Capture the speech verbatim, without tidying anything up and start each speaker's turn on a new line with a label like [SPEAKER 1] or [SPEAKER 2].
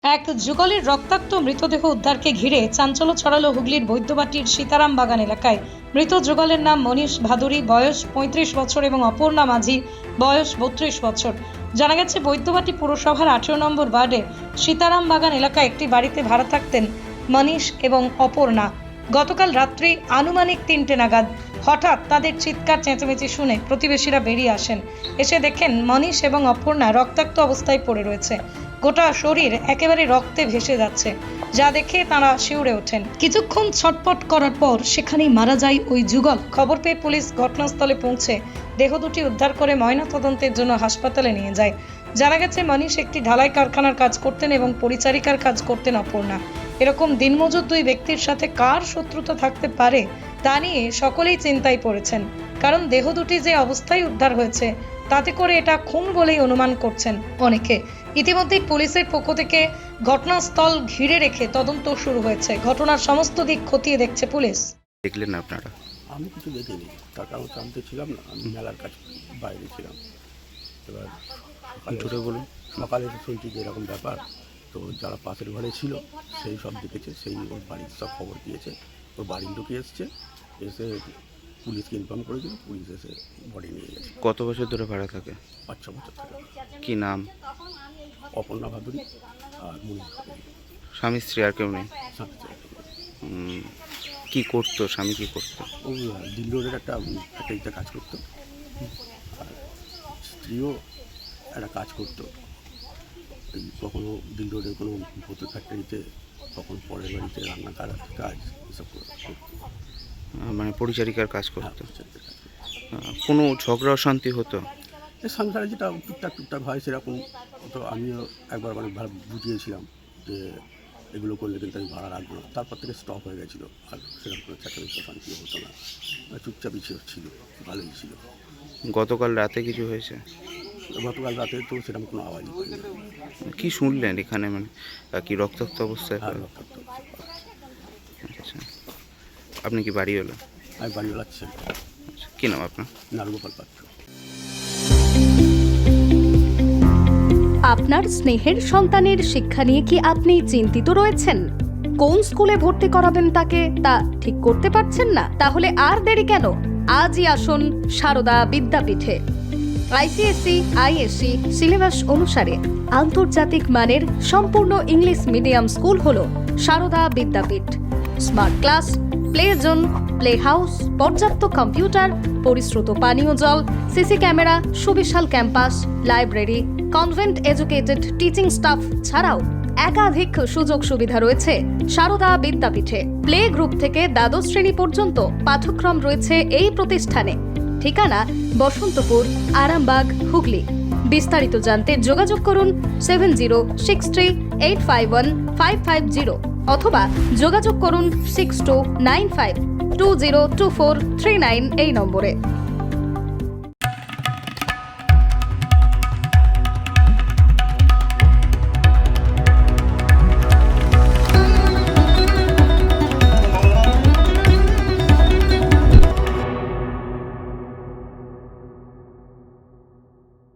[SPEAKER 1] এক যুগলের রক্তাক্ত মৃতদেহ উদ্ধারকে ঘিরে চাঞ্চল্য ছড়ালো হুগলির বৈদ্যবাটির সীতারাম বাগান এলাকায়। মৃত যুগলের নাম মনীষ ভাদুরী, বয়স পঁয়ত্রিশ বছর এবং অপর্ণা মাঝি, বয়স বত্রিশ বছর। জানা গেছে বৈদ্যবাটি পুরসভার আঠেরো নম্বর ওয়ার্ডে সীতারাম বাগান এলাকায় একটি বাড়িতে ভাড়া থাকতেন মনীষ এবং অপর্ণা। গতকাল রাত্রি আনুমানিক তিনটে নাগাদ হঠাৎ তাদের চিৎকার চেঁচামেচি শুনে প্রতিবেশীরা বেরিয়ে আসেন। এসে দেখেন মনীষ এবং অপর্ণা রক্তাক্ত অবস্থায় পড়ে রয়েছে। গোটা শরীর একেবারে রক্তে ভেসে যাচ্ছে, যা দেখে তারা শিউরে ওঠেন। কিছুক্ষণ ছটপট করার পর সেখানেই মারা যায় ওই যুগল। খবর পেয়ে পুলিশ ঘটনাস্থলে পৌঁছে দেহ দুটি উদ্ধার করে ময়নাতদন্তের জন্য হাসপাতালে নিয়ে যায়। জানা গেছে মনীষ একটি ঢালাই কারখানার কাজ করতেন এবং পরিচারিকার কাজ করতেন অপর্ণা। এরকম দিনমজুর দুই ব্যক্তির সাথে কার শত্রুতা থাকতে পারে তা নিয়ে সকলেই চিন্তায় পড়েছেন, কারণ দেহ দুটি যে অবস্থায় উদ্ধার হয়েছে তাতে করে এটা খুন বলেই অনুমান করছেন অনেকে। ইতিমধ্যেই পুলিশের পক্ষ থেকে ঘটনাস্থল ঘিরে রেখে তদন্ত শুরু হয়েছে। ঘটনার সমস্ত দিক খতিয়ে দেখছে পুলিশ।
[SPEAKER 2] দেখলেন আপনারা?
[SPEAKER 3] আমি কিছু দেখিনি, তার কারণ জানতে ছিলাম না, আমি মেলার কাছে বাইরে ছিলাম। এবার
[SPEAKER 2] জোরে বলুন।
[SPEAKER 3] সকালে শুনছি যে এরকম ব্যাপার, তো যারা পাশের ঘরে ছিল সেই সব দেখেছে, সেই ওর বাড়ির সব খবর দিয়েছে, ওর বাড়ির লোকে এসছে, এসে পুলিশকে ইনফর্ম করেছিল, পুলিশ এসে বডি নিয়ে গেছে।
[SPEAKER 2] কত বছর ধরে ভাড়া থাকে?
[SPEAKER 3] পাঁচ ছ বছর থেকে।
[SPEAKER 2] কি নাম?
[SPEAKER 3] অপর্ণা ভাদুরী আর মনীষ ভাদুরী।
[SPEAKER 2] স্বামী স্ত্রী আর কেউ নেই?
[SPEAKER 3] সাথে ছিল।
[SPEAKER 2] উম, কি করতো স্বামী? কি করতো?
[SPEAKER 3] ও দিল রোডের একটা ফ্যাক্টরিতে কাজ করতো, আর স্ত্রীও একটা কাজ করতো। এই কখনো দিল রোডের কোনো ভূতের ফ্যাক্টরিতে, কখন পরের বাড়িতে রান্না কাজ কাজ এসব করতো।
[SPEAKER 2] আহ, মানে পরিচারিকার কাজ
[SPEAKER 3] হ্যাঁ,
[SPEAKER 2] করতো।
[SPEAKER 3] পরিচারিকার কাজ করতো।
[SPEAKER 2] আহ, কোনো ঝগড়া অশান্তি হতো?
[SPEAKER 3] এই সংসারে যেটা টুকটাক টুকটাক হয় সেরকম, তো আমিও একবার মানে ভালো বুঝিয়েছিলাম যে এগুলো করলে কিন্তু আমি ভাড়া রাখবো না। তারপর থেকে স্টপ হয়ে গেছিলো, আর সেরকম কোনো চেঁচামেচি শান্তি হতো না, চুপচাপই ছিল, ভালোই ছিল।
[SPEAKER 2] গতকাল রাতে কিছু হয়েছে?
[SPEAKER 3] গতকাল রাতে তো সেরকম কোনো আওয়াজই পাইনি।
[SPEAKER 2] কি শুনলেন এখানে? মানে আহ, কি রক্তাক্ত অবস্থায়?
[SPEAKER 3] আর রক্তাক্ত অবস্থা।
[SPEAKER 2] আচ্ছা, আপনি কি বাড়ি হলো?
[SPEAKER 3] আমি বাড়ি বেড়াচ্ছি।
[SPEAKER 2] আচ্ছা, কি নাম আপনার?
[SPEAKER 3] নারগোপাল পাত্র।
[SPEAKER 4] আপনার স্নেহের সন্তানের শিক্ষা নিয়ে কি আপনি চিন্তিত রয়েছেন? কোন স্কুলে ভর্তি করাবেন তাকে তা ঠিক করতে পারছেন না? তাহলে আর দেরি কেন? আজই আসুন সারদা বিদ্যাপীঠে। আইসিএসসি আইএসসি সিলেবাস অনুসারে আন্তর্জাতিক মানের সম্পূর্ণ ইংলিশ মিডিয়াম স্কুল হলো Sarada Vidyapith. Smart class, play zone, play house, পর্যাপ্ত কম্পিউটার, পরিশ্রুত পানীয় জল, সিসি ক্যামেরা, সুবিশাল campus, library, convent educated teaching staff ছাড়াও একাধিক সুযোগ সুবিধা রয়েছে সারদা বিদ্যাপীঠে। প্লে গ্রুপ থেকে দ্বাদশ শ্রেণী পর্যন্ত পাঠ্যক্রম রয়েছে এই প্রতিষ্ঠানে। ঠিকানা বসন্তপুর, আরামবাগ, হুগলি। বিস্তারিত জানতে যোগাযোগ করুন seven zero six three eight five one five five zero অথবা যোগাযোগ করুন six two nine five two zero two four three nine এই নম্বরে।